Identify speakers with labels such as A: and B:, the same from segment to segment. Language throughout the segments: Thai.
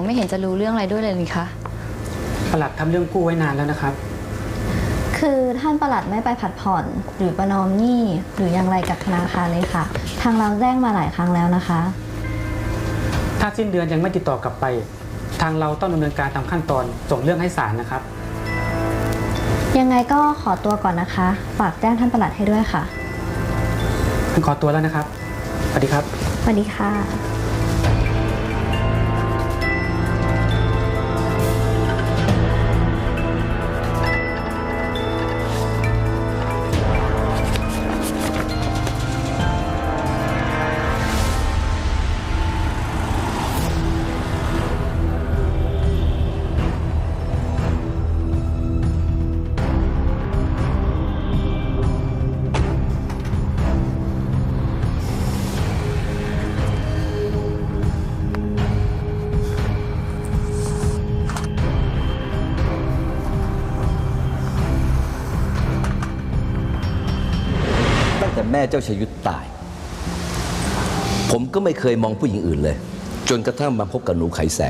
A: ไม่เห็นจะรู้เรื่องอะไรด้วยเลยนี่คะ
B: ประหลัดทำเรื่องกู้ไว้นานแล้วนะครับ
A: คือท่านประหลัดไม่ไปผัดผ่อนหรือประนอมหนี้หรืออย่างไรกับธนาคารเลยค่ะทางเราแจ้งมาหลายครั้งแล้วนะคะ
B: ถ้าสิ้นเดือนยังไม่ติดต่อกลับไปทางเราต้องดำเนินการตามขั้นตอนส่งเรื่องให้ศาลนะครับ
A: ยังไงก็ขอตัวก่อนนะคะฝากแจ้งท่านประหลัดให้ด้วยค่ะ
B: ผมขอตัวแล้วนะครับสวัสดีครับ
A: สวัสดีค่ะ
C: แต่แม่เจ้าชยุทธตายผมก็ไม่เคยมองผู้หญิงอื่นเลยจนกระทั่งมาพบกับหนูไขแสง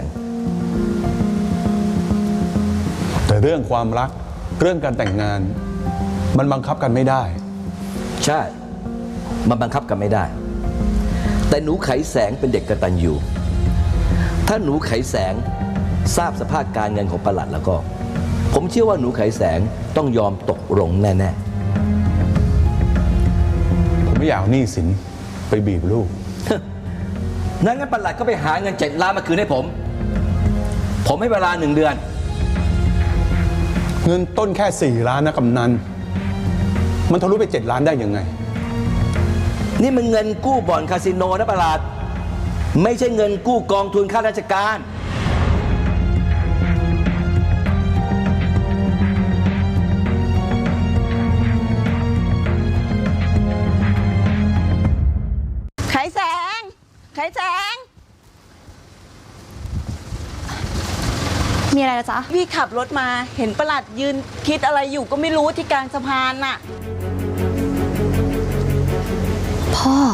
D: แต่เรื่องความรักเรื่องการแต่งงานมันบังคับกันไม่ได้
C: ใช่มันบังคับกันไม่ได้แต่หนูไขแสงเป็นเด็กกตัญญูถ้าหนูไขแสงทราบสภาพการเงินของประหลัดแล้วก็ผมเชื่อว่าหนูไขแสงต้องยอมตกลงแน่ๆ
D: ไม่อยากเอาหนี้สินไปบีบลูก
C: งั้นประหลัดก็ไปหาเงิน7 ล้านมาคืนให้ผมให้เวลา1 เดือน
D: เงินต้นแค่4 ล้านนะกำนันมันทะลุไป7 ล้านได้ยังไง
C: นี่มันเงินกู้บ่อนคาสิโนนะประหลัดไม่ใช่เงินกู้กองทุนข้าราชการ
E: ไขแสง
A: มีอะไรนะจ๊ะ
E: พี่ขับรถมาเห็นประหลัดยืนคิดอะไรอยู่ก็ไม่รู้ที่กลางสะพานน่ะ
A: พ่อ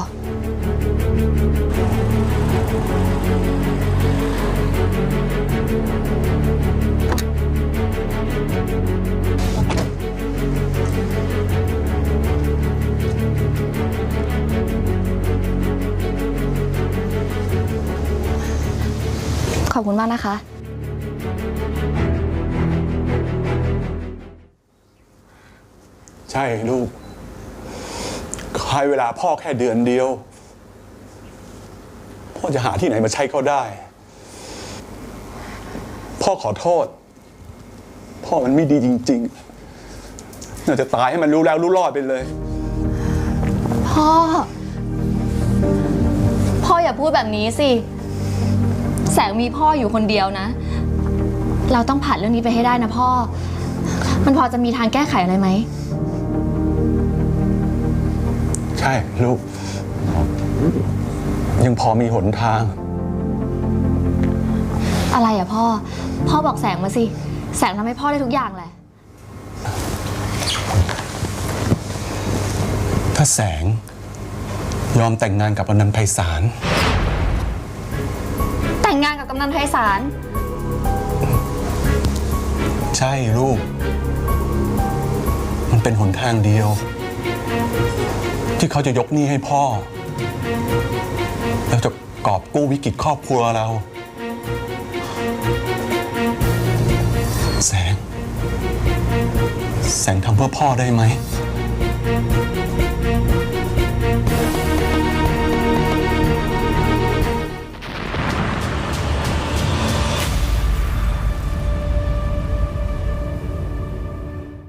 A: ขอบคุณมากนะคะ
D: ใช่ลูกให้เวลาพ่อแค่เดือนเดียวพ่อจะหาที่ไหนมาใช้เขาได้พ่อขอโทษพ่อมันไม่ดีจริงๆน่าจะตายให้มันรู้แล้วรู้รอดไปเลย
A: พ่ออย่าพูดแบบนี้สิแสงมีพ่ออยู่คนเดียวนะเราต้องผ่านเรื่องนี้ไปให้ได้นะพ่อมันพอจะมีทางแก้ไขอะไรไหม
D: ใช่ลูกยังพอมีหนทาง
A: อะไรอะพ่อบอกแสงมาสิแสงทำให้พ่อได้ทุกอย่างแหละ
D: ถ้าแสงยอมแต่งงานกับอนันต์ไพศาล
A: แต่งงานกับกำนันไพศาล
D: ใช่ลูกมันเป็นหนทางเดียวที่เขาจะยกหนี้ให้พ่อแล้วจะกอบกู้วิกฤตครอบครัวเราแสงทำเพื่อพ่อได้ไหม